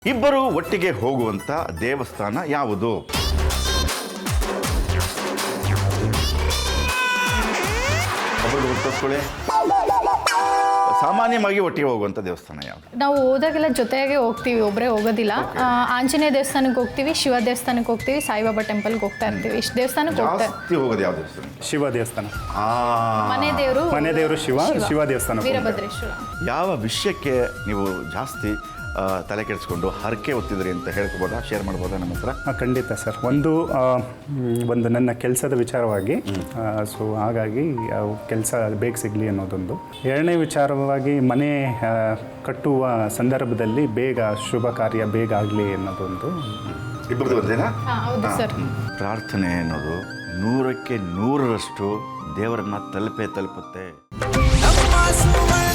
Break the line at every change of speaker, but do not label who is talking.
ಇಬ್ಬರು ಒಟ್ಟಿಗೆ ಹೋಗುವಂತ ದೇವಸ್ಥಾನ ಯಾವುದು? ಸಾಮಾನ್ಯವಾಗಿ ಒಟ್ಟಿಗೆ ಹೋಗುವಂತ ದೇವಸ್ಥಾನ ಯಾವುದು?
ನಾವು ಹೋದಾಗೆಲ್ಲ ಜೊತೆಗೆ ಹೋಗ್ತೀವಿ, ಒಬ್ಬರೇ ಹೋಗೋದಿಲ್ಲ. ಆಂಜನೇಯ ದೇವಸ್ಥಾನಕ್ಕೆ ಹೋಗ್ತೀವಿ, ಶಿವ ದೇವಸ್ಥಾನಕ್ಕೆ ಹೋಗ್ತೀವಿ, ಸಾಯಿಬಾಬಾ ಟೆಂಪಲ್ಗೆ ಹೋಗ್ತಾ ಇರ್ತೀವಿ. ಇಷ್ಟು ದೇವಸ್ಥಾನಕ್ಕೆ
ಜಾಸ್ತಿ ಹೋಗೋದು ಯಾವ ದೇವಸ್ಥಾನ?
ಶಿವ ದೇವಸ್ಥಾನ.
ಮನೆ ದೇವರು
ಶಿವ ದೇವಸ್ಥಾನ.
ವೀರಭದ್ರೇಶ್ವರ.
ಯಾವ ವಿಷಯಕ್ಕೆ ನೀವು ಜಾಸ್ತಿ ತಲೆ ಕೆಡಿಸ್ಕೊಂಡು ಹರಕೆ ಹೊತ್ತಿದ್ರಿ ಅಂತ ಹೇಳ್ಕೊಬೋದಾ, ಶೇರ್ ಮಾಡ್ಬೋದಾ ನಮ್ಮ ಹತ್ರ?
ಖಂಡಿತ ಸರ್. ಒಂದು ನನ್ನ ಕೆಲಸದ ವಿಚಾರವಾಗಿ, ಸೊ ಹಾಗಾಗಿ ಕೆಲಸ ಬೇಗ ಸಿಗಲಿ ಅನ್ನೋದೊಂದು. ಎರಡನೇ ವಿಚಾರವಾಗಿ ಮನೆ ಕಟ್ಟುವ ಸಂದರ್ಭದಲ್ಲಿ ಬೇಗ ಶುಭ ಕಾರ್ಯ ಬೇಗ ಆಗಲಿ ಅನ್ನೋದೊಂದು.
ಇಬ್ಬರದು ಒಂದೇನಾ?
ಹೌದು ಸರ್.
ಪ್ರಾರ್ಥನೆ ಅನ್ನೋದು 100ಕ್ಕೆ 100ರಷ್ಟು ದೇವರನ್ನ ತಲುಪುತ್ತೆ.